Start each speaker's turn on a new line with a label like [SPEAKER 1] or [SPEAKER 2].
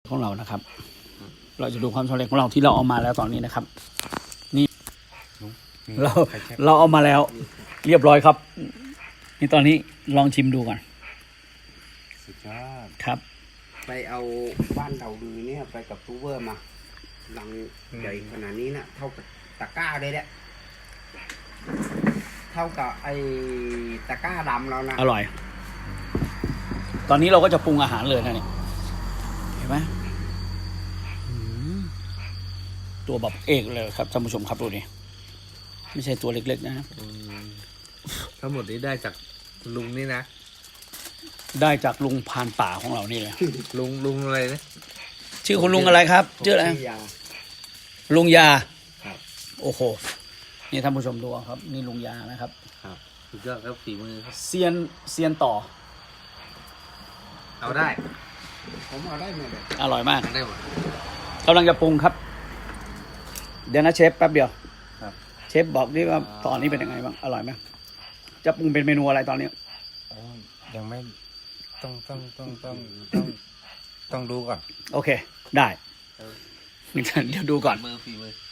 [SPEAKER 1] ของเรานะครับ เราจะดูความสำเร็จของเราที่เราเอามาแล้วตอนนี้นะครับ นี่เราเอามาแล้ว เรียบร้อยครับ นี่ตอนนี้ลองชิมดูก่อน
[SPEAKER 2] สุดยอด
[SPEAKER 1] ครับ
[SPEAKER 3] ไปเอาบ้านเราดูเนี่ยไปกับทูเวอร์มาลังใหญ่ขนาดนี้นะเท่ากับตะกร้าเลยแหละเท่ากับไอ้ตะกร้าดำเรานะ
[SPEAKER 1] อร่อย ตอนนี้เราก็จะปรุงอาหารเลยนะเนี่ยเห็นไหมอืมตัวแบบเอกเลยครับท่านผู้ชมครับดูดิไม่ใช่ตัวเล็กๆนะ
[SPEAKER 2] ทั้งหมดนี้ได้จากลุงนี่นะ
[SPEAKER 1] ได้จากลุงพรานป่าของเรานี่เลย
[SPEAKER 2] ลุงอะไรนะ
[SPEAKER 1] ชื่อคุณลุงอะไรครับชื่ออะไร
[SPEAKER 3] ยา
[SPEAKER 1] ลุงยา
[SPEAKER 3] ครับ
[SPEAKER 1] โอ้โหนี่ท่านผู้ชมดูเอาครับ นี่ลุงยานะครับ
[SPEAKER 2] ครับสุดยอดครับฝีมือครับ
[SPEAKER 1] เซียนต่อ
[SPEAKER 2] เอาได้
[SPEAKER 3] ผมเอาได้หมดเลย
[SPEAKER 1] อร่อยมาก
[SPEAKER 2] ได้หมด
[SPEAKER 1] กำลังจะปรุงครับ เดี๋ยวนะเชฟแป๊บเดียว
[SPEAKER 2] ครับ
[SPEAKER 1] เชฟบอกดิว่าตอนนี้เป็นยังไงบ้างอร่อยไหมจะปรุงเป็นเมนูอะไรตอนนี้
[SPEAKER 4] ยังไม่ต้องดูก่อน
[SPEAKER 1] โอเค ได้เดี๋ยวดูก่อน
[SPEAKER 2] ฝีมือ